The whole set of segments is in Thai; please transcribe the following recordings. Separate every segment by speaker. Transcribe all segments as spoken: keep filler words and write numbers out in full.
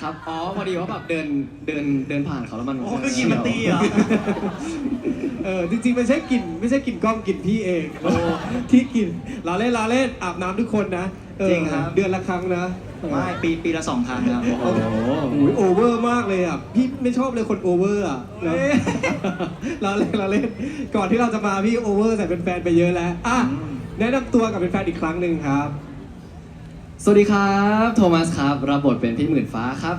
Speaker 1: ครับอ๋อพอดีว่าแบบเดินเดินเดินผ่านเขาแล้วมัน
Speaker 2: โอ้คือกินมันตีเหรอ
Speaker 3: เออจริงๆไม่ใช่กลิ่นไม่ใช่กลิ่นกล้องกลิ่นพี่เองโอ้ที่กลิ่นเราเล่นเราเล่นอาบน้ำทุกคนนะเออ
Speaker 2: จริงครับ
Speaker 3: เดือนละครั้งนะ
Speaker 2: ไม่ปีปีละสองครั้งครับ
Speaker 3: โอ้โหโอเวอร์มากเลยอ่ะพี่ไม่ชอบเลยคนโอเวอร์อ่ะเนอะเราเล่นเราเล่นก่อนที่เราจะมาพี่โอเวอร์ใส่เป็นแฟนไปเยอะแล้วอ่ะแนะนำตัวกับเป็นแฟนอีกครั้งหนึ่งครับ
Speaker 1: สวัสดีครับโทมัสครับรับบทเป็นพี่หมื่นฟ้าครับ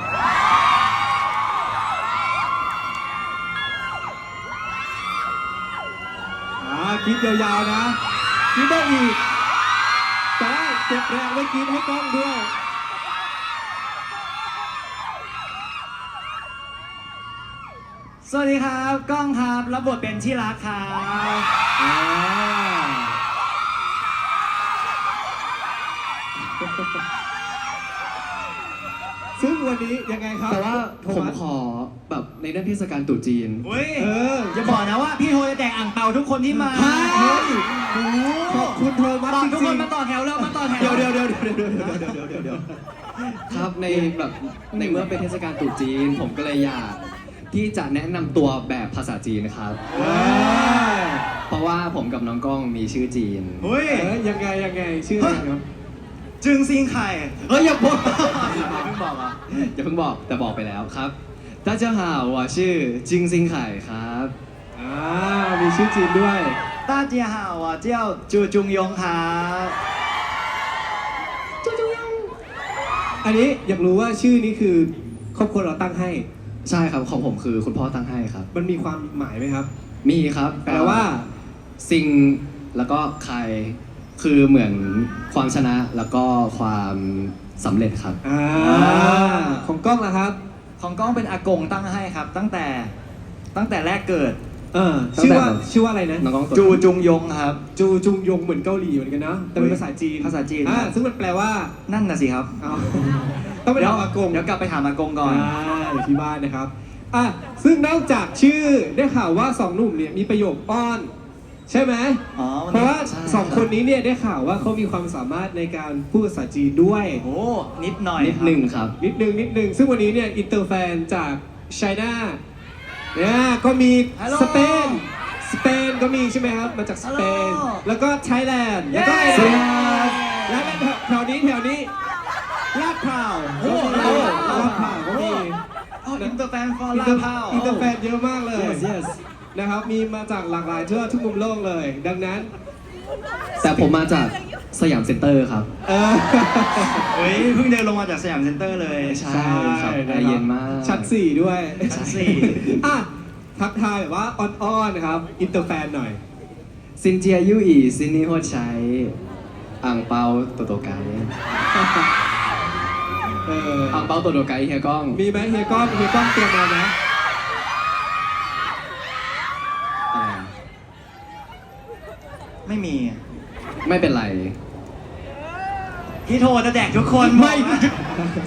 Speaker 3: อ่าคิดยาวๆนะคิดได้อีกแต่ว่าเก็บแรงไว้กินให้กล้องด้วย
Speaker 2: สวัสดีครับก้องครับรับบทเป็นที่รักครับ
Speaker 3: อ่าซึ่งวันนี้ยังไงครับ
Speaker 1: แต่ว่า
Speaker 3: โท
Speaker 1: ผม
Speaker 3: มัส
Speaker 1: ขอแบบในเรื่องเทศกาลตรุษจีน
Speaker 2: เฮ้ย
Speaker 3: เออ
Speaker 2: อย่าบอกนะว่าพี่โทจะแจกอ่างเปาทุกคนที่มา
Speaker 3: ฮะ
Speaker 2: เฮ้ยโอ้โห
Speaker 3: ขอบคุณโทมัส
Speaker 2: บอก
Speaker 3: จ
Speaker 2: ทุก
Speaker 3: ริ
Speaker 2: ค
Speaker 3: ง
Speaker 2: นมาต่อแถวแล้วมาต่อแถว
Speaker 3: ๆเดี๋ยวเดี๋ยวเดี๋ยวเดี๋ยวเดี๋ยวเดี๋ยวเดี๋ยวเดี๋ยวเดี๋ยว
Speaker 1: ครับในแบบในเมื่อเป็นเทศกาลตรุษจีน ผมก็เลยอยากที่จะแนะนำตัวแบบภาษาจีนครับ
Speaker 3: เออ
Speaker 1: เพราะว่าผมกับน้องก้องมีชื่อจีน
Speaker 2: เฮ้ย
Speaker 3: เออยังไงยังไงชื่ออะไรครับ
Speaker 2: จึงซิงไข่
Speaker 1: เฮ้ยอย่าบอก
Speaker 2: เพิ่งบอกเหรอ่ะ
Speaker 1: อย่าเพิ่งบอกแต่บอกไปแล้วครับ大家好我是金星ไข่ครับ
Speaker 3: อ่ามีชื่อจีนด้วย
Speaker 2: 大家好我叫จูจุงยงครับ
Speaker 3: อันนี้อยากรู้ว่าชื่อนี้คือครอบครัวเราตั้งให้
Speaker 1: ใช่ครับของผมคือคุณพ่อตั้งให้ครับ
Speaker 3: มันมีความหมายไหมครับ
Speaker 1: มีครับ
Speaker 3: แปลว่า
Speaker 1: ซิงแล้วก็ใครคือเหมือนความชนะแล้วก็ความสำเร็จครับ
Speaker 3: อ่าของกล้องล่ะครับ
Speaker 2: ของก้องเป็นอากงตั้งให้ครับ ตั้งแต่ตั้งแต่แรกเกิด
Speaker 3: เออชื่อว่าชื่อว่าอะไรนะ
Speaker 1: น้องก้องตัว
Speaker 2: จูจุงยงครับ
Speaker 3: จูจุงยงเหมือนเกาหลีเหมือนกันเนาะแต่เป็นภาษาจีน
Speaker 2: ภาษาจีน
Speaker 3: อ่าซึ่งมันแปลว่า
Speaker 2: นั่นน่ะสิครับ
Speaker 3: เอาต้องไป
Speaker 2: เดี๋ยว
Speaker 3: ถามอากง
Speaker 2: เดี๋ยวกลับไปถามอากงก่อน
Speaker 3: อ่าอยู่ที่บ้านนะครับอ่ะซึ่งนอกจากชื่อได้ข่าวว่าสองหนุ่มเนี่ยมีประโยคอ้อน ใช่ไหม
Speaker 2: อ๋อมัน
Speaker 3: เพราะว่า
Speaker 1: ใช่
Speaker 3: สองคนนี้เนี่ยได้ข่าวว่าเขามีความสามารถในการพูดภาษาจีนด้วย
Speaker 2: โอ้นิดหน่อย
Speaker 1: นิดหนึ่งครับ
Speaker 3: นิดนึงนิดนึงซึ่งวันนี้เนี่ยอินเตอร์แฟนจากไชน่าเนี่ยก็มีสเปนสเปนก็มีใช่ไหมครับมาจากสเปนแล้วก็ไทยแลนด์แล้วก็ไอร์แลนด์แล้วก็แถวนี้แถวนี้ลาดพร้าว
Speaker 2: โอ้
Speaker 3: ลา
Speaker 2: ลา
Speaker 3: ด
Speaker 2: ด
Speaker 3: พ
Speaker 2: พ
Speaker 3: ร้า
Speaker 2: ร้าว ว
Speaker 3: ก็มี
Speaker 2: อ๋ออินเตอร์แฟนฟอร์
Speaker 3: อิน
Speaker 2: ลา
Speaker 3: เตอร์
Speaker 2: พร้าว
Speaker 3: อินเตอร์แฟนเยอะมากเลย
Speaker 1: yes yes
Speaker 3: นะครับมีมาจากหลากหลายทั่วทุกมุมโลกเลย ดังนั้น
Speaker 1: แต่ผมมาจากสยามเซ็นเตอร์ครับ
Speaker 3: เออ
Speaker 2: เฮ้ยเพิ่งเดินลงมาจากสยามเซ็นเตอร์เลย
Speaker 1: ใช่ ครับแอร์เย็นมาก
Speaker 3: ชั้นสี่ด้วย
Speaker 2: ชั้นสี่
Speaker 3: อ่ะทักทายแบบว่าอ่อนๆนะครับอินเตอร์แฟนหน่อย
Speaker 1: ซินเจียยู่อีซินนี่โฮดใช้อ่างเปาโตโตไก
Speaker 3: เออ
Speaker 1: อ่างเปาโตโตไกเฮียก้อง
Speaker 3: มีไหมเฮียก้องเฮียก้องเตรียมมาไหม
Speaker 1: อะไร
Speaker 2: ไม่มี
Speaker 1: ไม่เป็นไร
Speaker 2: พี่โทจะแจกทุกคน
Speaker 3: ไม่
Speaker 2: บอกนะ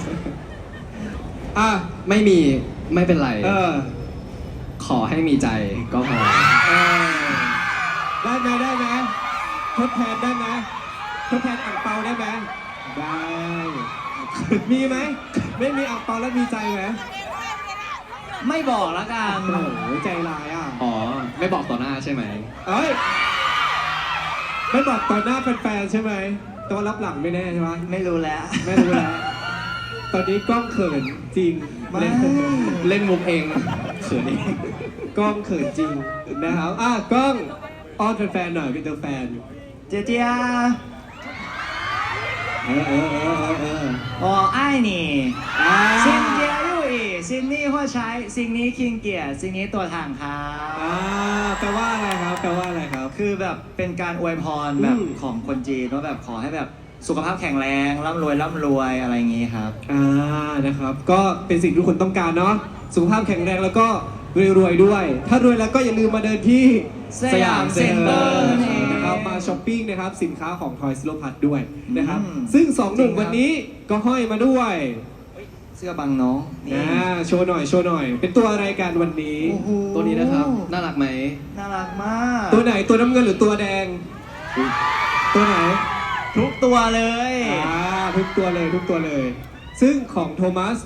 Speaker 3: อ่ะ
Speaker 1: ไม่มีไม่เป็นไร
Speaker 3: เออ
Speaker 1: ขอให้มีใจก็พอ
Speaker 3: เออได้ไหมได้ไหมทดแทนได้ไหมทดแทนอ่างเปาได้ไหมได้มีไหมไม่มีอ่างเปาแล้วมีใจไหม
Speaker 2: ไม่บอกแล้วกัน
Speaker 3: โอ้โหใจร้ายอ่ะ
Speaker 1: อ๋อ ไม่บอกต่อหน้าใช่ไหม
Speaker 3: เอ้ยไม่บอกต่อหน้าแฟนๆใช่ไหมแตัวารับหลังไม่แน่ใช่ไหม
Speaker 2: ไม่รู้แล้ว
Speaker 3: ไม่รู้แล้ว ตอนนี้กล้องเขินจริง
Speaker 2: ไม่
Speaker 3: เล่น
Speaker 1: เล่นมุกเองเขินเอง
Speaker 3: กล้องเขินจริงนะครับอ่ะกล้องอ้อนแฟนๆหน่อยเป็นตัวแฟน
Speaker 2: เจียเจีย
Speaker 3: เออเออเออเออเออ
Speaker 2: 我爱你
Speaker 3: อ่า
Speaker 2: ซินเจียยู่อีซินนี่หัวใช้ซิงนี้คิงเกียร์ซิงนี้ตัวถังครั
Speaker 3: อ่า
Speaker 2: บ
Speaker 3: แปลว่าอะไรครับแปลว่าอะไรครับ
Speaker 2: คือแบบเป็นการอวยพรแบบ
Speaker 3: อืม
Speaker 2: ของคนจีนว่าแบบขอให้แบบสุขภาพแข็งแรงร่ำรวยร่ำรวยอะไรอย่างงี้ครับ
Speaker 3: อ่านะครับ ก็เป็นสิ่งที่ทุกคนต้องการเนาะสุขภาพแข็งแรงแล้วก็รวยๆด้วย ถ้ารวยแล้วก็อย่าลืมมาเดินที่
Speaker 2: สยามเซ็นเตอร์นั่นเอง
Speaker 3: นะครับมาช้อปปิ้งนะครับสินค้าของ Toys R Us ด้วยนะครับ
Speaker 2: อืม
Speaker 3: ซึ่งสองหนุ่ม
Speaker 2: จริงครับ
Speaker 3: วันนี้ก็ห้อยมาด้วย
Speaker 2: เสื้อบังน้องนี่
Speaker 3: อ่าโชว์หน่อยโชว์หน่อย เป็นตัวอะไรกันวันนี้
Speaker 2: โอ้โห
Speaker 1: ตัวนี้นะครับ น่ารักไหม
Speaker 2: น่ารักมาก
Speaker 3: ตัวไหนตัวน้ำเงินหรือตัวแดง ตัวไหน
Speaker 2: ทุกตัวเลย
Speaker 3: อ่าทุกตัวเลยทุกตัวเลย ซึ่งของโทมัส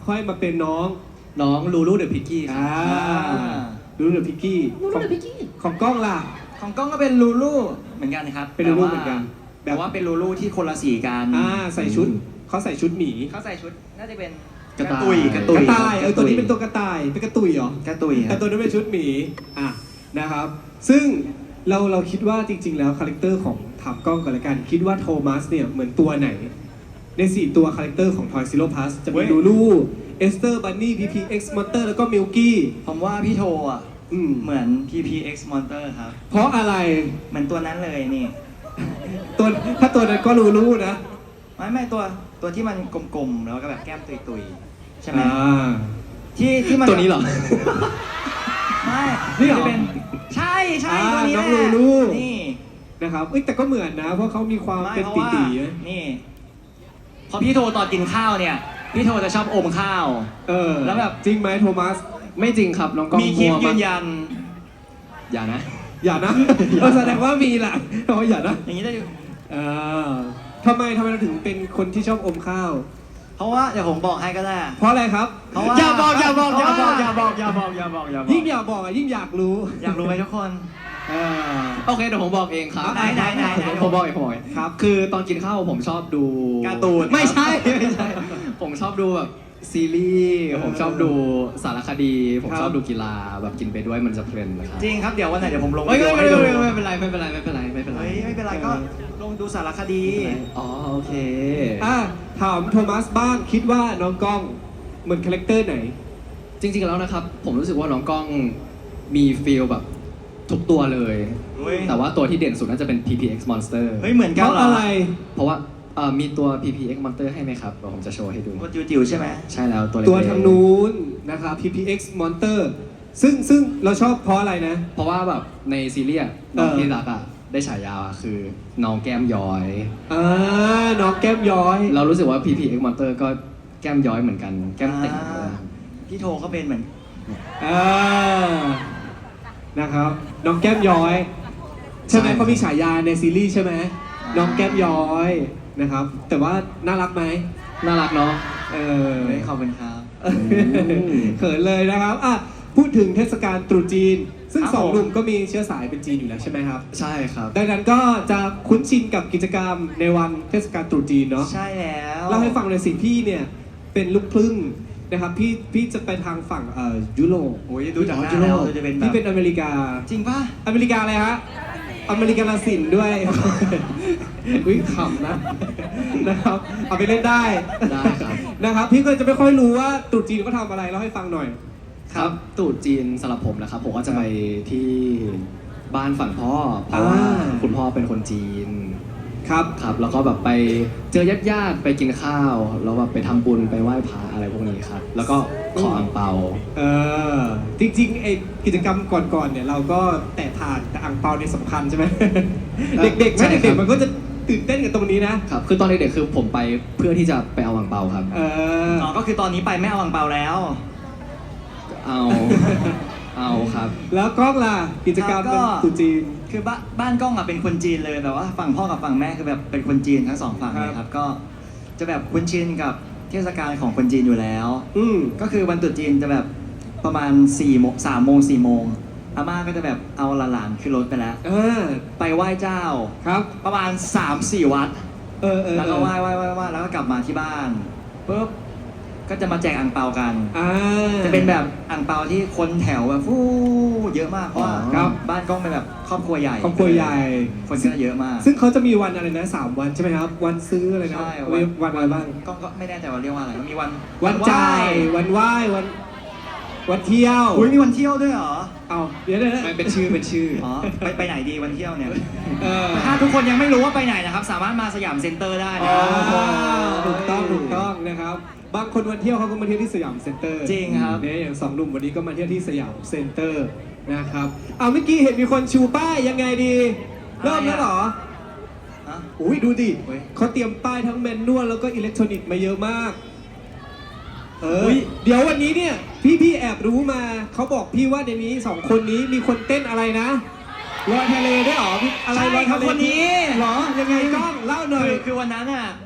Speaker 3: ค่อยมาเป็นน้อง
Speaker 1: น้องลูลูเดอะพิกกี้ครับ
Speaker 3: อ่าลูลูเดอะพิกกี้ของของกล้องล่ะ
Speaker 2: ของกล้องก็เป็นลูลูเหมือนกันครับ
Speaker 3: เป็นลูลูเหมือนกัน
Speaker 2: แต่ว่าเป็นลูลูที่คนละสีกัน
Speaker 3: อ่าใส่ชุดเขาใส่ชุดหมี
Speaker 2: เขาใส่ชุดน่าจะเป็น
Speaker 1: กระต่าย
Speaker 2: ตุยกระ
Speaker 3: ก
Speaker 2: ตุย
Speaker 3: ระต่ายเออตัวนี้เป็นตัวกระต่ายเป็นกระตุยเหรอ
Speaker 2: กระตุยค
Speaker 3: แต่
Speaker 2: รับ
Speaker 3: ตัวนั้นเป็นชุดหมีอ่ะนะครับ ซึ่งเราเราคิดว่าจริง ๆ แล้วคาแรคเตอร์ของถามกล้องก่อนละกัน คิดว่าโทมัสเนี่ยเหมือนตัวไหน ในสี่ตัวคาแรคเตอร์ของ Toy Zero Plus จะมีลูลูเอสเตอร์บันนี่ พี พี เอ็กซ์ Monster แล้วก็มิลกี้
Speaker 2: ผมว่าพี่โทอ่ะ
Speaker 3: อืม
Speaker 2: เหมือน พี พี เอ็กซ์ Monster ครับ
Speaker 3: เพราะอะไร
Speaker 2: เหมือนตัวนั้นเลยนี่
Speaker 3: ตัวถ้าตัวนั้นก็ลูลูนะ
Speaker 2: ไม่ไม่ตัวตัวที่มันกลมๆแล้วก็แบบแก้มตุยๆใช่ไหม
Speaker 3: อ่า
Speaker 2: ที่ที่มัน
Speaker 1: ตัวนี้เหรอ
Speaker 2: ไม่
Speaker 3: นี่เหรอ
Speaker 2: ที่เป็นใช่ใช่
Speaker 3: อ่า
Speaker 2: ตัวนี้
Speaker 3: น้
Speaker 2: แห
Speaker 3: อง
Speaker 2: ละ
Speaker 3: ลูลู
Speaker 2: นี่
Speaker 3: นะครับเอ้ยแต่ก็เหมือนนะ เพราะเขามีความ
Speaker 2: ไม่
Speaker 3: เป็น
Speaker 2: เพราะ
Speaker 3: ตี
Speaker 2: ว่า
Speaker 3: ตีๆนะ
Speaker 2: นี่พอพี่โทตอนกินข้าวเนี่ย พี่โทจะชอบอมข้าว
Speaker 3: เออ
Speaker 2: แล้วแบบ
Speaker 3: จริงไหมโทมัส
Speaker 1: ไม่จริงครับน้องกล้อง
Speaker 2: มีคลิป
Speaker 1: มั่ว
Speaker 2: ยื
Speaker 1: มาก
Speaker 2: นยัน
Speaker 1: อย่านะ
Speaker 3: อย่านะ เออแสดงว่ามีแหละแต่ว่าอย่านะ
Speaker 2: อย่างนี้ได้อยู่
Speaker 3: เออทำไมทำไมเราถึงเป็นคนที่ชอบอมข้าว
Speaker 2: เพราะว่าเดี๋ยวผมบอกให้ก็ได้
Speaker 3: เพราะอะไรครับ
Speaker 2: เพราะว่า
Speaker 1: อย่าบอกอย่าบอกอย่าบอก
Speaker 2: เพ
Speaker 1: อย่า
Speaker 2: ระว่
Speaker 1: บอกอย่าบอกอย่าบอกอย่าบอก
Speaker 3: ยิ่งอยากบอกอ่ะยิ่งอยากรู้
Speaker 2: อยากรู้ไหมทุกคน
Speaker 3: เออ
Speaker 1: โอเคเดี๋ยวผมบอกเองครับ
Speaker 2: ไหนไหนไหนไหน
Speaker 1: ผมบอกเองผมบอกเอง
Speaker 3: ครับ
Speaker 1: คือตอนกินข้าวผมชอบดู
Speaker 2: การ์ตูน
Speaker 1: ไม่ใช่ไม่ใช่ ผมชอบดูแบบซีรีส์ผมชอบดูสารคดี ผม
Speaker 3: ครับ
Speaker 1: ชอบดูกีฬาแบบกินไปด้วยมันจะเพลินนะครับ
Speaker 2: จริงครับเดี๋ยววันไหนเดี๋ยวผมลง
Speaker 1: ไม่ไม่
Speaker 2: วิ
Speaker 1: ไม่
Speaker 2: ดีโอให้ดู
Speaker 1: ไม่ไม่เป็นไรไม่เป็นไรไม่เป็นไรไม่เป็นไร
Speaker 2: เฮ้ยไม่เป็นไรก็ลงดูสารคดี
Speaker 1: อ๋อโอเค
Speaker 3: อ่ะถามโทมัสบ้างคิดว่าน้องกล้องเหมือนคาแรคเตอร์ไหน
Speaker 1: จริงๆแล้วนะครับ ผมรู้สึกว่าน้องกล้องมีฟีลแบบทุกตัวเลย
Speaker 2: เฮ้ย
Speaker 1: แต่ว่าตัวที่เด่นสุดน่าจะเป็น พี พี เอ็กซ์ Monster
Speaker 2: เฮ้ยเหมือน
Speaker 3: เพ
Speaker 2: กัน
Speaker 3: ราะ
Speaker 2: เหรอ
Speaker 3: อะไร
Speaker 1: เพราะว่าเอ่อมีตัว พี พี เอ็กซ์ Monster ให้ไหมครับเดี๋ยวผมจะโชว์ให้ดู
Speaker 2: ตัวจิ๋วๆใช่ไหม
Speaker 1: ใช่แล้วตัวเล็กๆ
Speaker 3: ตัวทางนู้นนะครับ พี พี เอ็กซ์ Monster ซึ่งซึ่งเราชอบเพราะอะไรนะ
Speaker 1: เพราะว่าแบบในซีรีส์อะน้อง
Speaker 3: เออ
Speaker 1: ที่รักอ่ะได้ฉายาอะคือน้องแก้มย้อย
Speaker 3: อ่าน้องแก้มย้อย
Speaker 1: เรารู้สึกว่า พี พี เอ็กซ์ Monster ก็แก้มย้อยเหมือนกัน แก้มเต่งเลย
Speaker 2: พี่โทเขาเป็นเหมือน
Speaker 3: อ่านะครับ น้องแก้มย้อย ใช่ไหมเขามีฉายาในซีรีส์ใช่ไหมน้องแก้มย้อยนะครับ แต่ว่าน่ารักไหม
Speaker 1: น่ารักเนาะ
Speaker 3: เออ
Speaker 2: เฮ้ยขอบคุณครับ
Speaker 3: เขินเลยนะครับอ่ะพูดถึงเทศกาลตรุษจีน ซึ่ง
Speaker 2: ครับ
Speaker 3: สอง
Speaker 2: ผม
Speaker 3: หนุ่มก็มีเชื้อสายเป็นจีนอยู่แล้วใช่ไหมครับ
Speaker 1: ใช่ครับ
Speaker 3: ดังนั้นก็จะคุ้นชินกับกิจกรรมในวันเทศกาลตรุษจีนเนาะ
Speaker 2: ใช่แล้ว
Speaker 3: เล่าให้ฟังเลยสิพี่เนี่ยเป็นลูกครึ่งนะครับพี่พี่จะไปทางฝั่งเอ่อยุโรป
Speaker 2: โอ้ยดูจากหน้า
Speaker 3: ยุโร
Speaker 2: แล้ว
Speaker 3: ป
Speaker 2: จะเป็นแบ
Speaker 3: พี่
Speaker 2: บ
Speaker 3: เป็นอเมริกา
Speaker 2: จริงป่ะ
Speaker 3: อเมริกาอะไรฮะอเมริกาลาสินด้วย อุ้ยขำนะนะครับเอาไปเล่นได้
Speaker 1: ได้ครับ
Speaker 3: นะครับพี่ก็จะไม่ค่อยรู้ว่าตรุษจีนเขาทำอะไรเล่าให้ฟังหน่อย
Speaker 1: ครับตรุษจีนสำหรับผมนะครับ ผมก็จะไปที่บ้านฝั่งพ่อ เพราะว่า
Speaker 3: อ่า
Speaker 1: คุณพ่อเป็นคนจีน
Speaker 3: ครับ
Speaker 1: ครับ แล้วก็แบบไปเจอญาติๆไปกินข้าว แล้วแบบไปทำบุญไปไหว้พระอะไรพวกนี้ครับ แล้วก็ขออังเปา
Speaker 3: เออจริงๆไอกิจกรรมก่อนๆเนี่ยเราก็แตะผ่านแต่อ่างเปาเนี่ยสำคัญใช่ไหม เด็กๆ
Speaker 1: ใช่
Speaker 3: แม่
Speaker 1: ครั
Speaker 3: เด็ก
Speaker 1: บ
Speaker 3: ๆมันก็จะตื่นเต้นกับตรงนี้นะ
Speaker 1: ครับ คือตอนเด็กๆคือผมไปเพื่อที่จะไปเอาอังเปาครับ
Speaker 3: เออ
Speaker 2: อ๋อก็คือตอนนี้ไปไม่เอาอังเปาแล้ว
Speaker 1: เอา เอาครับ
Speaker 3: แล้วกล้องล่ะกิจกรรม
Speaker 2: ครับก็
Speaker 3: วันตรุษจีน
Speaker 2: คือบ้านบ้านกล้องอ่ะเป็นคนจีนเลยแบบว่าฝั่งพ่อกับฝั่งแม่คือแบบเป็นคนจีนทั้งสองฝั่ง
Speaker 3: ครับ
Speaker 2: เลยครับก็จะแบบคุ้นชินกับเทศกาลของคนจีนอยู่แล้ว
Speaker 3: อืม
Speaker 2: ก็คือวันตรุษจีนจะแบบประมาณ4ี่โมงสามโมงสี่โมงอาม่าก็จะแบบเอาหลานๆขึ้นรถไปแล้ว
Speaker 3: เออ
Speaker 2: ไปไหว้เจ้า
Speaker 3: ครับ
Speaker 2: ประมาณ สามสี่ วัด
Speaker 3: เออเออ
Speaker 2: แล้วก็ไหว้ไหว้ไหว้ไหว้แล้วก็กลับมาที่บ้านปุ๊บก็จะมาแจกอ่างเปากัน
Speaker 3: อ่า
Speaker 2: จะเป็นแบบอ่างเปาที่คนแถวแบบฟู้เยอะมากเพราะว่า
Speaker 3: ครับ
Speaker 2: บ้านกล้องเป็นแบบครอบครัวใหญ่
Speaker 3: ครอบครัวใหญ่
Speaker 2: คนก็เยอะมาก
Speaker 3: ซึ่งเขาจะมีวันอะไรนะสามวันใช่ไหมครับ วันซื้ออะไรนะ
Speaker 2: ใช่
Speaker 3: วันวันอะไรบ้าง
Speaker 2: กล้องก็ไม่แน่ใจว่าเรียกว่าอะไรมีวัน
Speaker 3: วันจ่ายวันไหว้วันวันเที่ยว
Speaker 2: อุ้ยมีวันเที่ยวด้วยเหรอ
Speaker 3: เอาเดี๋ยวเดี๋ยว
Speaker 1: ไม่เป็นชื่อเป็นชื่อ
Speaker 2: อ๋อไปไปไหนดีวันเที่ยวเนี่ย
Speaker 3: เออ
Speaker 2: ถ้าทุกคนยังไม่รู้ว่าไปไหนนะครับ สามารถมาสยามเซ็นเตอร์ได้นะ
Speaker 3: อ่าถูกต้องถูกต้องนะครับ บางคนวันเที่ยวเขาก็มาเที่ยวที่สยามเซ็นเตอร์
Speaker 2: จริงครับ
Speaker 3: เนี่ยอย่างสองหนุ่มวันนี้ก็มาเที่ยวที่สยามเซ็นเตอร์นะครับเอาเมื่อกี้เห็นมีคนชูป้ายยังไงดี เริ่มแล้วเหรอ
Speaker 2: ฮะ
Speaker 3: อุ้ยดูดิ
Speaker 2: เฮ้ย
Speaker 3: เขาเตรียมป้ายทั้งแมนนวลแล้วก็อิเล็กทรอนิกส์มาเยอะมาก เออ
Speaker 2: อุ๊ย
Speaker 3: เดี๋ยววันนี้เนี่ย พี่พี่แอบรู้มา เขาบอกพี่ว่าในนี้สองคนนี้มีคนเต้นอะไรนะลอยทะเลได้วยเหรอพี่อะไร
Speaker 2: ใช่
Speaker 3: ลอย
Speaker 2: ครั
Speaker 3: ทะ
Speaker 2: บ
Speaker 3: เล
Speaker 2: คนนี้
Speaker 3: เหรอยังไงกล้องเล่าหน่อย
Speaker 2: คือคือวันนั้นอ่ะ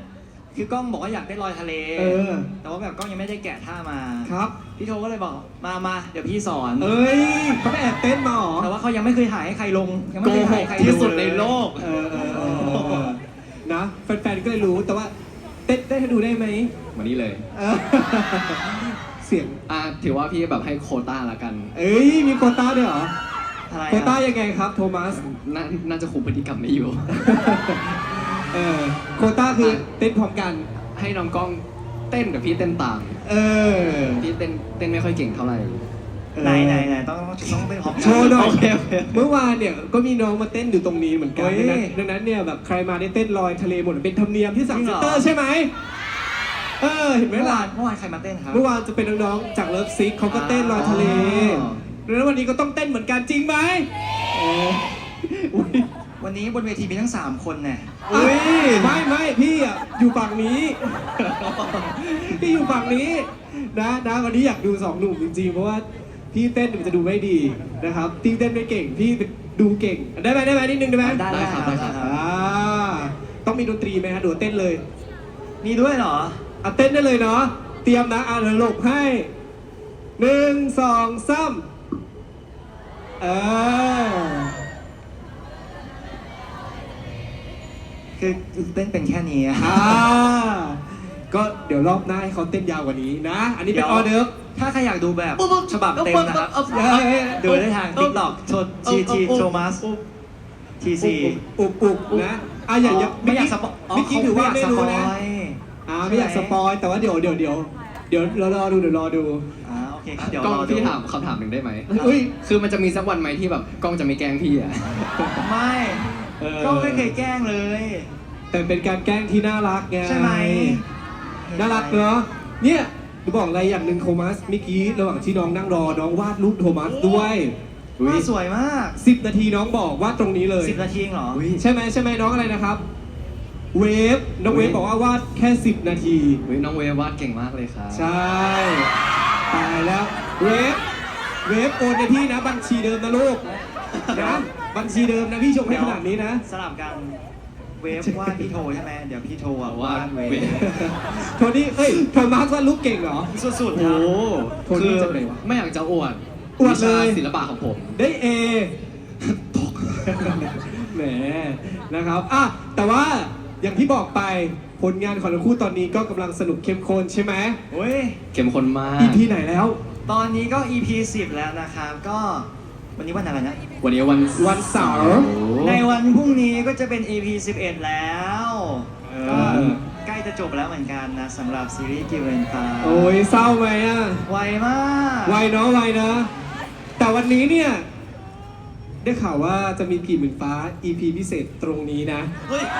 Speaker 2: คือกล้องบอกว่าอยากได้ลอยทะเล
Speaker 3: เออ
Speaker 2: แต่ว่าแบบกล้องยังไม่ได้แกะท่ามา
Speaker 3: ครับ
Speaker 2: พี่โทก็เลยบอกมามาเดี๋ยวพี่สอน
Speaker 3: เอ้ยเขาไปแอบเต้นมาเหรอ
Speaker 2: แต่ว่าเขายังไม่เคยถ่ายให้ใครลง ยังไม่
Speaker 1: โก
Speaker 2: เคย
Speaker 1: ห
Speaker 2: ถ่าย
Speaker 1: ก
Speaker 2: ให้ใคร
Speaker 1: ที่สุด
Speaker 2: เลย
Speaker 1: ในโลก
Speaker 3: เออเออเออเออเออนะแฟนๆก็เลยรู้แต่ว่าเต้นเต้นให้ดูได้ไหม
Speaker 1: วันนี้เลย
Speaker 3: เออเสียง
Speaker 1: อ่ะถือว่าพี่แบบให้โควต้าละกัน
Speaker 3: เอ้ยมีโควต้าด้วยเหรอ
Speaker 2: อะไร
Speaker 3: โควต้า
Speaker 2: อะ
Speaker 3: ยังไงครับโทมัส
Speaker 1: น่าน่าจะคุมพฤติกรรมไม่อยู่
Speaker 3: เออโควต้าคือเต้นพร้อมกัน
Speaker 1: ให้น้องกล้องเต้นกับพี่เต้นตาม
Speaker 3: เออ
Speaker 1: พี่เต้นเต้นไม่ค่อยเก่งเท่าไหร่
Speaker 2: ไหนไหนไหนต้องต้องต้องเป็นพร้อมกั
Speaker 3: โชว์หน่อย
Speaker 1: โอเคโอเค
Speaker 3: เมื่อวานเนี่ยก็มีน้องมาเต้นอยู่ตรงนี้เหมือนกัน
Speaker 2: เฮ้ย
Speaker 3: ดังนั้นดังนั้นเนี่ยแบบใครมาได้เต้นลอยทะเลหมดเป็นธรรมเนียมที่สั่ง
Speaker 2: จริ
Speaker 3: เซ็
Speaker 2: ง
Speaker 3: น
Speaker 2: เหรอ
Speaker 3: เตอร์ใช่ไหมเออเห็นไหม
Speaker 2: เมื่อ
Speaker 3: ล่ะ
Speaker 2: วานเมื่อวานใครมาเต้นครับ
Speaker 3: เมื่อวานจะเป็นน้องๆจากเลิฟซิกเขาก็เต้นลอยทะเล
Speaker 2: อ๋อ
Speaker 3: ดังนั้นวันนี้ก็ต้องเต้นเหมือนกันจริงไหมเอออุ๊ย
Speaker 2: วันนี้บนเวทีมีทั้งสามคนเนี่ย
Speaker 3: อุ๊ยไม่ไม่พี่อ่ะอยู่ฝั่งนี้ พี่อยู่ฝั่งนี้นะนะวันนี้อยากดูสองหนุ่มจริงๆเพราะว่าพี่เต้นมันจะดูไม่ดีนะครับตีเต้นไม่เก่งพี่ดูเก่งได้ไหมได้ไหมนิดนึงได้ไหม
Speaker 2: ได้
Speaker 1: ได้ครับได้ครับ
Speaker 3: อ่าต้องมีดนตรีไหมฮะหรือว่าเต้นเลย
Speaker 2: มีด้วยเหรอ
Speaker 3: อ่ะเต้นได้เลยเนาะเตรียมนะอ่ะเดี๋ยวหลบให้หนึ่งสองสามเออ
Speaker 2: คือเต้นเป็นแค่นี้อะ
Speaker 3: อ่าก็เดี๋ยวรอบหน้าให้เขาเต้นยาวกว่านี้นะ อันนี้เป็น
Speaker 2: เดี๋ยว
Speaker 3: ออเดิร์ฟ
Speaker 2: ถ้าใครอยากดูแบบฉบับเต็มนะครับ
Speaker 3: เอ้ย
Speaker 2: ดูได้ทาง TikTok โชด ที ที Thomas ทีซี
Speaker 3: อุบอุบนะอ่ะอย่าอย่า
Speaker 2: ไม่อยากสปอย
Speaker 3: เมื่อกี้ถือว่าไม่รู้นะ
Speaker 2: เขาไม่อยากสปอย
Speaker 3: อ่าไม่อยากสปอยแต่ว่าเดี๋ยวเดี๋ยวเดี๋ยวเดี๋ยวเรารอดูเดี๋ยวรอดู
Speaker 2: อ่าโอเคครับเดี๋ยว
Speaker 1: กล้อง
Speaker 2: รอดู
Speaker 1: พี่ถามคำถามหนึ่งได้ไหม
Speaker 3: เฮ้ย
Speaker 1: คือมันจะมีสักวันไหมที่แบบกล้องจะไม่แกล้งพี่อ่ะ
Speaker 2: ไม่
Speaker 3: เออ
Speaker 2: ก็ไม่เคยแกล้งเลย
Speaker 3: แต่เป็นการแกล้งที่น่ารักไง
Speaker 2: ใช่ไหม
Speaker 3: น่ารักเนาะเนี่ยจะบอกอะไรอย่างหนึ่งโทมัสเมื่อกี้ระหว่างที่น้องนั่งรอน้องวาดรูปโทมัสด้วย
Speaker 2: ว่าสวยมาก
Speaker 3: สิบนาทีน้องบอกวาดตรงนี้เลย
Speaker 2: สิบนาทีเองเหรอ
Speaker 3: ใช่ไหมใช่ไหมน้องอะไรนะครับ เวฟน้องเวฟบอกว่าวาดแค่สิบนาที
Speaker 1: เฮ้ยน้องเวฟวาดเก่งมากเลยครับ
Speaker 3: ใช่ตายแล้วเวฟเวฟโอนในพี่นะบัญชีเดิมนะลูกนะบัญชีเดิมนะพี่ชมให้ขนาดนี้นะ
Speaker 2: สลับกันเวฟวาดพี่โทใช่ไหมเดี๋ยวพี่โทอ่ะวาดเวฟ
Speaker 3: โทนี่เอ้ยโทมัสวาดรูปเก่งเหรอ
Speaker 2: สุดๆ
Speaker 1: โอ้
Speaker 2: ครับ
Speaker 3: โทนี่
Speaker 1: คือ
Speaker 3: จากไหนวะ
Speaker 1: ไม่อยากจะอวด
Speaker 3: อวดเลย
Speaker 1: วิชาศิลปะของผม
Speaker 3: ได้เอตกแหมนะครับอ่ะแต่ว่าอย่างที่บอกไปผลงานของทั้งคู่ตอนนี้ก็กำลังสนุกเข้มข้นใช่ไหม
Speaker 2: โอ้ย
Speaker 1: เข้มข้นมาก
Speaker 3: อี พี ไหนแล้ว
Speaker 2: ตอนนี้ก็ อี พี สิบแล้วนะครับ ก็วันนี้วันอะไรนะ
Speaker 1: วันนี้วัน
Speaker 3: วันเสาร์
Speaker 2: ในวันพรุ่งนี้ก็จะเป็น อี พี สิบเอ็ด แล้ว
Speaker 3: เอ
Speaker 2: ก็
Speaker 3: อ
Speaker 2: ใกล้จะจบแล้วเหมือนกันนะสำหรับซีรีส์กิวเรนตา
Speaker 3: โอ้ยเศร้าไหมอ่ะ
Speaker 2: ไวมาก
Speaker 3: ไวเนาะไวนะ แต่วันนี้เนี่ย ได้ข่าวว่าจะมีกี่หมื่นฟ้า อี พี พิเศษตรงนี้นะ
Speaker 2: เฮ้ย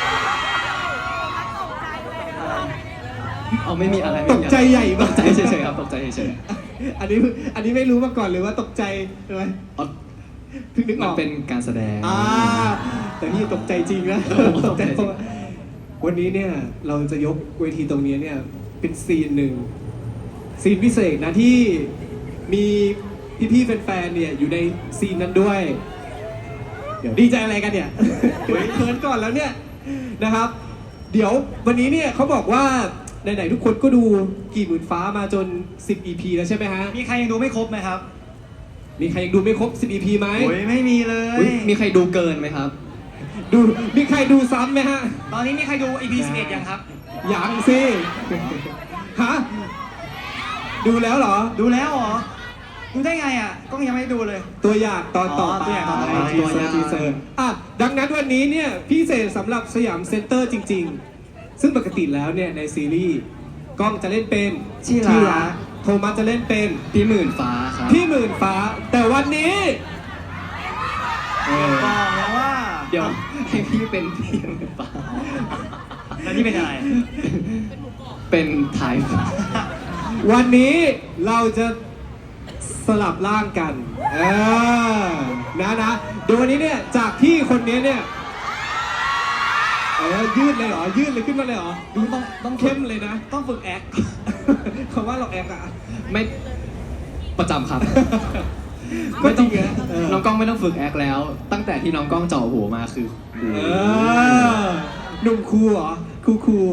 Speaker 1: เอาไม่มีอะไร
Speaker 3: ตกใจใหญ่มาก
Speaker 1: ตกใจเฉยๆครับตกใจเฉย
Speaker 3: อันนี้อันนี้ไม่รู้มาก่อนเลยว่าตกใจใช่ไหม
Speaker 1: ๆเอา
Speaker 3: เพิ่งนึกอ
Speaker 1: มัน
Speaker 3: อก
Speaker 1: เป็นการแสดง
Speaker 3: อ่าแต่พี่ตกใจจริงนะ
Speaker 1: โอ้โห
Speaker 3: ตกใจ
Speaker 1: ตกใจจริง
Speaker 3: วันนี้เนี่ยเราจะยกเวทีตรงนี้เนี่ยเป็นซีนหนึ่งซีนพิเศษนะที่มีพี่ๆแฟนๆเนี่ยอยู่ในซีนนั้นด้วย เดี๋ยวดีใจอะไรกันเนี่ย เฮ้ยเขินก่อนแล้วเนี่ยนะครับ เดี๋ยววันนี้เนี่ยเขาบอกว่าไหนๆทุกคนก็ดูกี่หมื่นฟ้ามาจน สิบ อี พี แล้วใช่ไหมฮะ
Speaker 2: มีใครยังดูไม่ครบไหมครับ
Speaker 3: มีใครยังดูไม่ครบ สิบ อี พี ไหม
Speaker 2: โอ้ยไม่มีเลย
Speaker 1: อุ๊ยมีใครดูเกินไหมครับ
Speaker 3: ดูมีใครดูซ้ำไหมฮะ
Speaker 2: ตอนนี้มีใครดู อี พี สิบเอ็ด ยังครับ
Speaker 3: ยังสิฮะดูแล้วเหรอ
Speaker 2: ดูแล้วเหรอ ดูได้ไงอ่ะกล้องยังไม่ได้ดูเลย
Speaker 3: ตัวอย่างตอนต่อ
Speaker 2: อ๋อ
Speaker 3: ไป
Speaker 2: ตัวอย่างตอนต่อไป
Speaker 3: ทีเซอร์ทีเซอร์อ่ะดังนั้นวันนี้เนี่ยพิเศษสำหรับสยามเซ็นเตอร์จริง ๆ ซึ่งปกติแล้วเนี่ยในซีรีส์กล้องจะเล่นเป็น
Speaker 2: ที่รัก
Speaker 3: โทมัสจะเล่นเป็น
Speaker 1: พี่หมื่นฟ้าครับ
Speaker 3: พี่หมื่นฟ้า แต่วันนี้เออ
Speaker 2: บอกแล้วว่า
Speaker 1: เดี๋ยวให้พี่เป็นพี่หมื่นฟ้า
Speaker 2: แล้วนี่เป็นอะไร
Speaker 1: เป็นทายฟ้า
Speaker 3: วันนี้เราจะสลับร่างกันเออนะนะเดี๋ยววันนี้เนี่ยจากพี่คนนี้เนี่ยเออยืดเลยเหรอยืดเลยขึ้นมาเลยเหรอดูต้องต้องเข้มเลยนะ
Speaker 2: ต้องฝึกแอค
Speaker 3: คำว่าเราแอบอะ
Speaker 1: ไม่ประจำครับ
Speaker 3: ก็
Speaker 1: ไม่
Speaker 3: จ
Speaker 1: ต้
Speaker 3: ริ
Speaker 1: อง
Speaker 3: งนะเออ
Speaker 1: น้องกล้องไม่ต้องฝึกแอคแล้ว ตั้งแต่ที่น้องกล้องเจ่อหัวมาคือ
Speaker 3: เออหนุ่มครูเหรอครูครู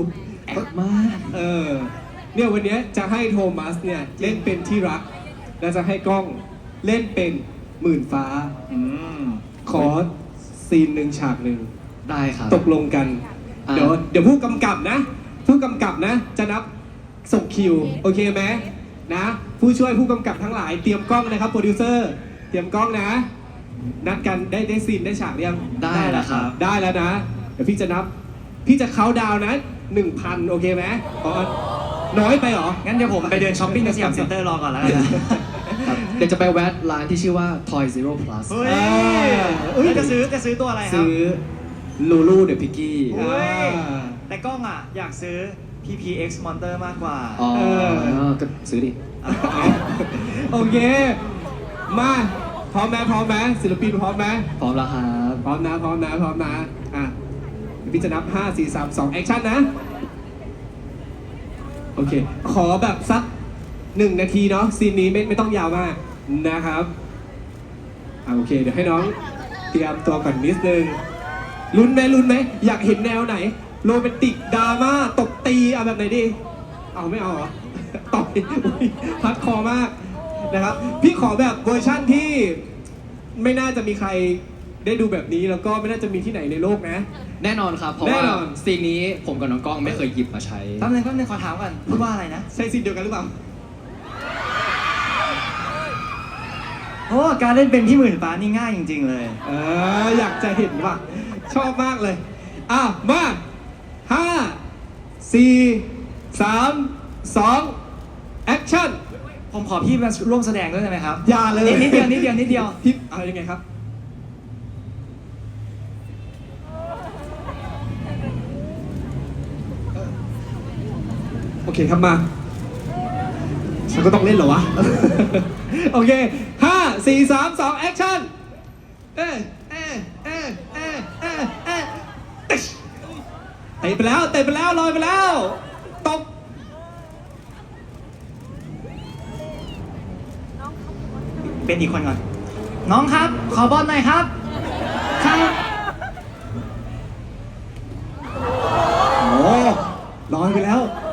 Speaker 1: แอคมาก
Speaker 3: เออเนี่ยวันเนี้ยจะให้โทมัสเนี่ยเล่นเป็นที่รัก และจะให้กล้องเล่นเป็นหมื่นฟ้า
Speaker 2: อืม
Speaker 3: ขอซีนหนึ่งฉากหนึ่ง
Speaker 1: ได้ครับ
Speaker 3: ตกลงกัน
Speaker 1: อ่า
Speaker 3: เดี๋ยวเดี๋ยวผู้กำกับนะ ผู้กำกับนะ จะนับส่งคิว โอเคไหมนะ ผู้ช่วยผู้กำกับทั้งหลายเตรียมกล้องนะครับโปรดิวเซอร์เตรียมกล้องนะ นัดกันได้ได้ซีนได้ฉากหรือยัง
Speaker 1: ได้แล้วครับ
Speaker 3: ได้แล้วนะ เดี๋ยวพี่จะนับ พี่จะเขาน์ดาวน์นะหนึ่งพันโอเคไหมอ๋อน้อยไปเหรอ
Speaker 2: งั้นเดี๋ยวผมไปเดินช้อปปิ้งในสยามเซ็นเตอร์รอก่อนแล้วกันนะ
Speaker 1: ครับเดี๋ยวจะไปแวะร้านที่ชื่อว่า Toy Zero Plus
Speaker 2: เฮ้ย
Speaker 3: เอ้ย
Speaker 2: แล้วจะซื้อจะซื้อตัวอะไรครับ
Speaker 1: ซื้อ Lulu the Piggy
Speaker 2: เฮ้ย
Speaker 3: อ่า
Speaker 2: แต่กล้องอ่ะ อยากซื้อ พี พี เอ็กซ์ Monster มากกว่า
Speaker 1: อ๋อ
Speaker 3: เออ
Speaker 1: ก็ซื้อดิ
Speaker 3: โอเค มาพร้อมไหมพร้อมไหมศิลปินพร้อมไหม
Speaker 1: พร้อมแล้วครับ
Speaker 3: พร้อมนะพร้อมนะพร้อมนะอ่ะเดี๋ยวพี่จะนับห้า สี่ สาม สองแอคชั่นนะ โอเค ขอแบบสักหนึ่งนาทีเนาะซีนนี้ไม่ไม่ต้องยาวมากนะครับอ่ะโอเค เดี๋ยวให้น้องเตรียมตัวก่อนนิดนึงลุ้นไหมลุ้นไหมอยากเห็นแนวไหน โรแมนติกดราม่าตบตีเอาแบบไหนดี เอาไม่เอาเหรอ ต่อยอุ๊ยพัดคอมากนะครับ พี่ขอแบบเวอร์ชั่นที่ไม่น่าจะมีใครได้ดูแบบนี้แล้วก็ไม่น่าจะมีที่ไหนในโลกนะ
Speaker 1: แน่นอนครับ เพราะ
Speaker 3: แน่
Speaker 1: ว่าน
Speaker 3: อน
Speaker 1: ซีนนี้ผมกับน้องกล้องไม่เคยหยิบมาใช้
Speaker 2: แป๊บนึงแป๊บนึงขอถามก่อนพูดว่าอะไรนะ
Speaker 3: ใช่ซีนเดียวกันหรือเปล่า
Speaker 2: โอ้การเล่นเป็นพี่หมื่นฟ้านี่ง่ายจริง ๆ เลย
Speaker 3: เอออยากจะเห็นว่ะ ชอบมากเลย อ่ะ มาห้าสี่สามสองแอคชั่น
Speaker 2: ผมขอพี่มาร่วมแสดงด้วยได้ไหมครับ
Speaker 3: อย่าเลย
Speaker 2: นิดเดียวนิดเดียวนิดเดียว
Speaker 3: พี่เอายังไงครับ โอเคครับมาฉันก็ต้องเล่นเหรอวะ โอเคห้าสี่สามสองแอคชั่น เอ๊ะเอ๊ะเอ๊ะเอ๊ะเอ๊ะเอ๊ะตึ๊ชเตะไปแล้วเตะไปแล้วลอยไปแล้วตบ
Speaker 2: เป็นอีกคนก่อน น้องครับ ขอบอลหน่อยครับ ครับ
Speaker 3: โอ้ลอยไปแล้ว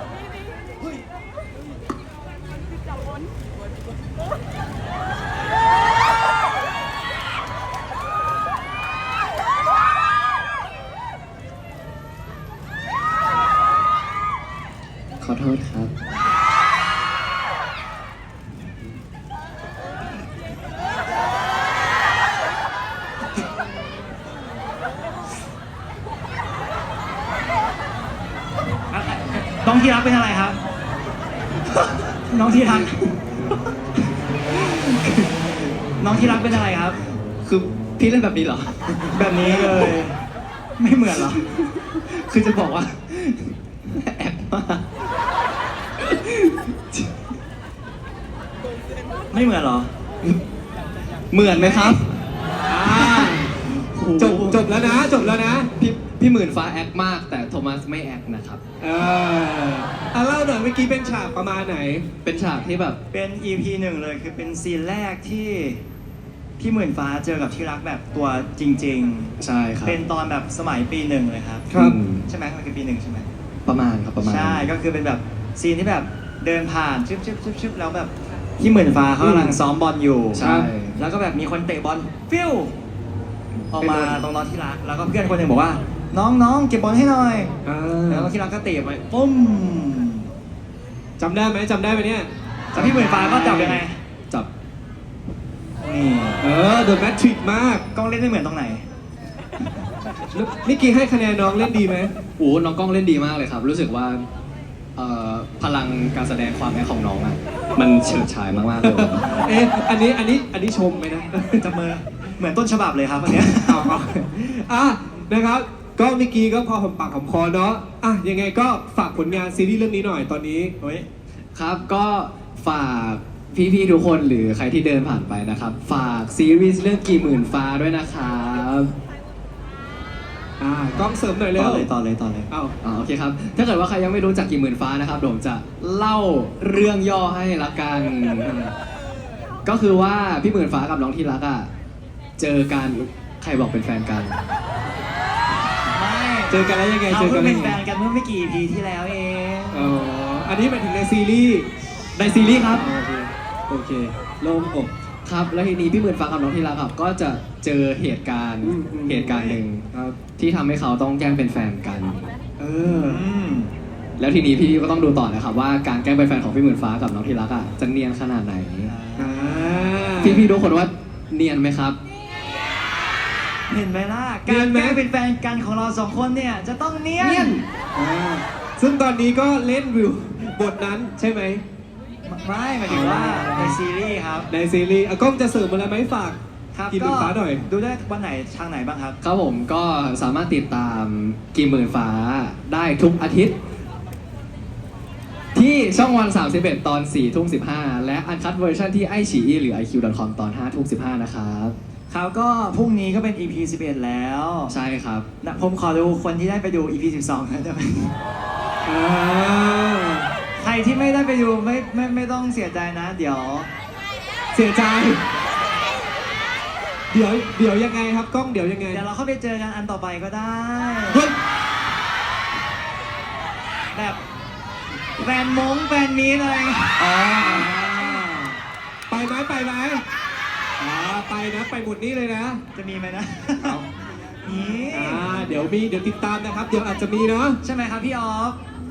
Speaker 1: ขอโทษครับ
Speaker 2: น้องที่รักเป็นอะไรครับ น้องที่รัก น้องที่รักเป็นอะไรครับ
Speaker 1: คือพี่เล่นแบบนี้เหรอ
Speaker 2: แบบนี้เลย ไม่เหมือนเหรอ
Speaker 1: คือจะบอกว่า แอบมาก
Speaker 2: ไม่เหมือนเหรอ
Speaker 1: เหมือนไหมครับ
Speaker 3: อ่าจบจบแล้วนะ จบแล้วนะ
Speaker 1: พี่พี่หมื่นฟ้าแอคมาก แต่โทมัสไม่แอคนะครับ
Speaker 3: เอออ่ะเล่าหน่อยเมื่อกี้เป็นฉากประมาณไหน
Speaker 1: เป็นฉากที่แบบ
Speaker 2: เป็น อี พี หนึ่งเลยคือเป็นซีนแรกที่พี่หมื่นฟ้าเจอกับที่รักแบบตัวจริง
Speaker 1: ใช่ครับ
Speaker 2: ๆ เป็นตอนแบบสมัยปีหนึ่งเลยครับ
Speaker 3: ครับ
Speaker 1: อืม
Speaker 2: ใช่ไหมมันคือปีหนึ่งใช่ไหม
Speaker 1: ประมาณครับประมาณ
Speaker 2: ใช่ ก็คือเป็นแบบซีนที่แบบเดินผ่านชึบชึบชึบชึบแล้วแบบพี่หมื่นฟ้าเขากำลังซ้อมบอลอยู่
Speaker 1: ใช่
Speaker 2: แล้วก็แบบมีคนเตะบอลฟิวออกมาตรงน้องที่รัก แล้วก็เพื่อนคนหนึ่งบอกว่า น้องน้องเก็บบอลให้หน่อย
Speaker 3: อ่า
Speaker 2: แล้วน้องที่รักก็เตะไปปุ้ม
Speaker 3: จำได้ไหมจำได้ไหมเนี่ย
Speaker 2: แล้วพี่หมื่นฟ้าก็จับยังไง
Speaker 1: จับ
Speaker 2: นี่
Speaker 3: เออเดอะแมทริกมาก
Speaker 2: กล้องเล่นไม่เหมือนตรงไหน
Speaker 3: เมื่อกี้ให้คะแนนน้องเล่นดีไหม
Speaker 1: โอ้น้องกล้องเล่นดีมากเลยครับ รู้สึกว่าเอ่อพลังการแสดงความแอคของน้องอ่ะ มันเฉิดฉายมากๆเลย
Speaker 3: เอ๊ะอันนี้อันนี้อันนี้ชมไหมนะ
Speaker 2: จับมือเหมือนต้นฉบับเลยครับอันเนี้ย
Speaker 3: เอาเอาอ่ะนะครับ ก็เมื่อกี้ก็พอหอมปากหอมคอเนาะอ่ะยังไงก็ฝากผลงานซีรีส์เรื่องนี้หน่อยตอนนี้
Speaker 2: เฮ้ย
Speaker 1: ครับก็ฝากพี่ๆทุกคนหรือใครที่เดินผ่านไปนะครับ ฝากซีรีส์เรื่องกี่หมื่นฟ้าด้วยนะครับ
Speaker 3: อ่ากล้องเสริมหน่อยเร็
Speaker 2: ต่อ
Speaker 3: ว
Speaker 2: เลยต่อเลยต่อเลย
Speaker 3: เอา
Speaker 1: อ่าโอเคครับ ถ้าเกิดว่าใครยังไม่รู้จักกี่หมื่นฟ้านะครับเดี๋ยวผมจะเล่าเรื่องย่อให้ละกัน ก็คือว่าพี่หมื่นฟ้ากับน้องที่รักอ่ะเจอกันใครบอกเป็นแฟนกัน
Speaker 2: ไม่
Speaker 3: เจอกันแล้วยังไง
Speaker 2: เขา
Speaker 3: เจอกั
Speaker 2: เพิ่
Speaker 3: น
Speaker 2: ง
Speaker 3: แล้ว
Speaker 2: เป็น
Speaker 3: ยังไง
Speaker 2: แฟนกันเมื่อไม่กี่ อี พี ที่แล้วเอง
Speaker 3: อ๋ออันนี้หมายถึงในซีรีส์
Speaker 1: ในซีรีส์ครับ
Speaker 3: โอเคโอเคโล่งอก
Speaker 1: ครับ แล้วทีนี้พี่หมื่นฟ้ากับน้องที่รักครับก็จะเจอเหตุการณ์
Speaker 3: อืมอืม
Speaker 1: เหตุการณ์หนึ่ง
Speaker 3: ครับ
Speaker 1: ที่ทำให้เขาต้องแกล้งเป็นแฟนกัน
Speaker 3: เออ
Speaker 2: อืม
Speaker 1: แล้วทีนี้พี่ก็ต้องดูต่อนะครับว่าการแกล้งเป็นแฟนของพี่หมื่นฟ้ากับน้องที่รักอ่ะจะเนียนขนาดไหน
Speaker 3: อ่า
Speaker 1: พี่พี่ๆทุกคนว่าเนียนไหมครับ
Speaker 2: เห็นไหมล่ะ
Speaker 3: เนี
Speaker 2: กาย ร
Speaker 3: นไหม
Speaker 2: แกล้งเป็นแฟนกันของเราสองคนเนี่ย จะต้องเนีย
Speaker 1: เนีย
Speaker 2: น
Speaker 1: น
Speaker 3: อ่าซึ่งตอนนี้ก็เล่นวิวบทนั้นใช่ไหม
Speaker 2: ไม่หมายถึงว่าในซีรีส์ครับ
Speaker 3: ในซีรีส์อ่ะก้องจะเสริมอะไรไหมฝาก
Speaker 2: ครับ
Speaker 3: กินหมื่นฟ้าหน่อย
Speaker 2: ดูได้วันไหนทางไหนบ้างครับ
Speaker 1: ครับผมก็สามารถติดตามกีหมื่นฟ้าได้ทุกอาทิตย์ ที่ช่องวันสามสิบเอ็ดตอนสี่ทุ่มสิบห้าและอันคัดเวอร์ชันที่ไอฉีอีหรือ ไอ คิว ดอท คอม ตอนห้าทุ่มสิบห้านะครับ
Speaker 2: ครับก็พรุ่งนี้ก็เป็น อี พี สิบเอ็ดแล้ว
Speaker 1: ใช่ครับ
Speaker 2: นะผมขอดูคนที่ได้ไปดู อี พี สิบสองนะได้ไหม
Speaker 3: อ่า
Speaker 2: ใครที่ไม่ได้ไปดูไม่ไม่ไม่ต้องเสียใจนะ เดี๋ยว
Speaker 3: เสียใจ เดี๋ยวเดี๋ยวยังไงครับกล้องเดี๋ยวยังไง
Speaker 2: เดี๋ยวเราเข้าไปเจอกันอันต่อไปก็ได้
Speaker 3: เฮ้ย
Speaker 2: แบบแฟนมงแฟนมีอะไร
Speaker 3: อ๋อไปไหมไปไหมอ่าไปนะไปหมดนี้เลยนะ
Speaker 2: จะมีไหมนะ
Speaker 3: เอา
Speaker 2: นี่
Speaker 3: อ่าเดี๋ยวมีเดี๋ยวติดตามนะครับ เดี๋ยวอาจจะมีเนาะ
Speaker 2: ใช่ไหมครับพี่ออฟ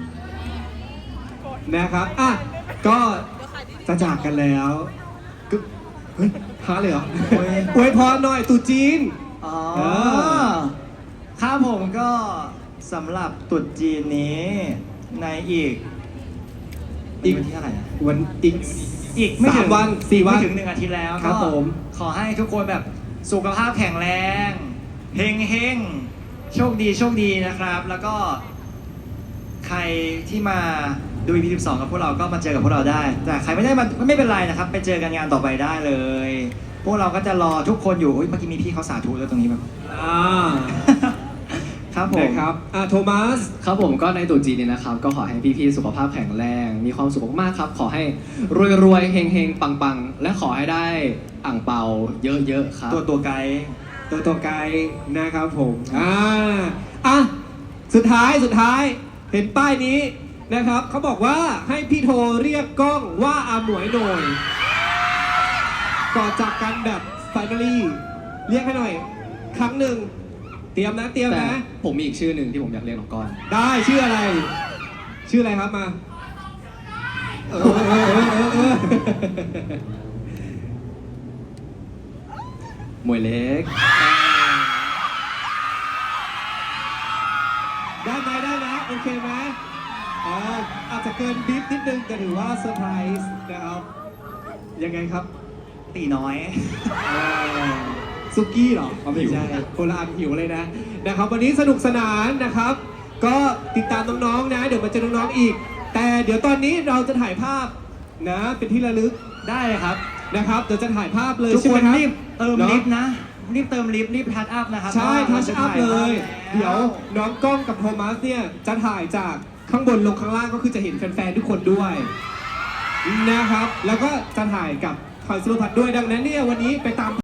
Speaker 3: นะครับอ่ะก็จะจากกันแล้วก็เฮ้ยหาเลยเหรออวยพรหน่อยตรุ๊จีน
Speaker 2: อ๋อ
Speaker 3: เออ
Speaker 2: ครับผมก็สำหรับตรุษจีนนี้ในอีก
Speaker 3: อีก
Speaker 2: วันที่เท่าไหร่นะ
Speaker 3: วันอีก
Speaker 2: อีกไม่ถึง
Speaker 3: สามวันสี่วัน
Speaker 2: ไม่ถึงหนึ่งอาทิตย์แล้ว
Speaker 3: ครับ
Speaker 2: ก็
Speaker 3: ผม
Speaker 2: ขอให้ทุกคนแบบสุขภาพแข็งแรงเฮงเฮงโชคดีโชคดีนะครับ แล้วก็ ใครที่มาดู อี พี สิบสองกับพวกเราก็มาเจอกับพวกเราได้ แต่ใครไม่ได้มาไม่เป็นไรนะครับ ไปเจอกันงานต่อไปได้เลย พวกเราก็จะรอทุกคนอยู่อุ๊ยเมื่อกี้มีพี่เขาสาธุแล้วตรงนี้แบบ
Speaker 3: อ่า
Speaker 2: ครับผม
Speaker 3: นะครับอ่าโทมัส
Speaker 1: ครับผมก็ในตรุ๊จีนนี้นะครับ ก็ขอให้พี่ๆสุขภาพแข็งแรง มีความสุขมากๆครับ ขอให้รวยๆเฮงๆปังๆ และขอให้ได้อ่างเปาเยอะๆครับ
Speaker 2: ตัวตัวไกด์
Speaker 3: ตัวตัวไกลนะครับผม อ่า อ่ะ สุดท้าย สุดท้าย เห็นป้ายนี้นะครับ เขาบอกว่าให้พี่โทเรียกกล้องว่าอาหมวยหน่อย ก่อนจากกันแบบ finally เรียกให้หน่อย ครั้งหนึ่ง เตรียมนะ เตรียม
Speaker 1: แต่
Speaker 3: นะ
Speaker 1: ผมมีอีกชื่อหนึ่งที่ผมอยากเรียกน้องก้อน
Speaker 3: ได้ชื่ออะไร ชื่ออะไรครับมา เออเออเออเออเออ
Speaker 1: มวยเล็ก
Speaker 3: ได้ไหมได้ไหมโอเคไหมอ่าอาจจะเกินบิ๊บนิดนึงแต่ถือว่าเซอร์ไพรส์นะครับ ยังไงครับ
Speaker 2: ตีน้อย
Speaker 3: อ่าซุกี้เหรออ๋อไม่ใช่คนละอันหิวเลยนะนะครับวันนี้สนุกสนานนะครับ ก็ติดตามน้องๆนะ เดี๋ยวมาเจอน้องๆอีก แต่เดี๋ยวตอนนี้เราจะถ่ายภาพนะเป็นที่ระลึก
Speaker 2: ได้เลยครับ
Speaker 3: นะครับเดี๋ยวจะถ่ายภาพเลย
Speaker 2: ทุก
Speaker 3: ใช่
Speaker 2: ค
Speaker 3: ไหม
Speaker 2: น
Speaker 3: ครับ
Speaker 2: รีบเติม
Speaker 3: เนอะ
Speaker 2: ลิฟต์นะ รีบเติมลิฟต์รีบทัชอัพนะครับ
Speaker 3: ใช่
Speaker 2: เพราะ
Speaker 3: ทั
Speaker 2: ว่า
Speaker 3: ชอัพ
Speaker 2: ราจะ
Speaker 3: เลย
Speaker 2: ถ่า
Speaker 3: เดี๋ยว
Speaker 2: แล้ว
Speaker 3: น้องกล้องกับโทมัสเนี่ยจะถ่ายจากข้างบนลงข้างล่างก็คือจะเห็นแฟนๆทุกคนด้วยนะครับ แล้วก็จะถ่ายกับทอยสุรพัฒน์ด้วยดังนั้นเนี่ยวันนี้ไปตาม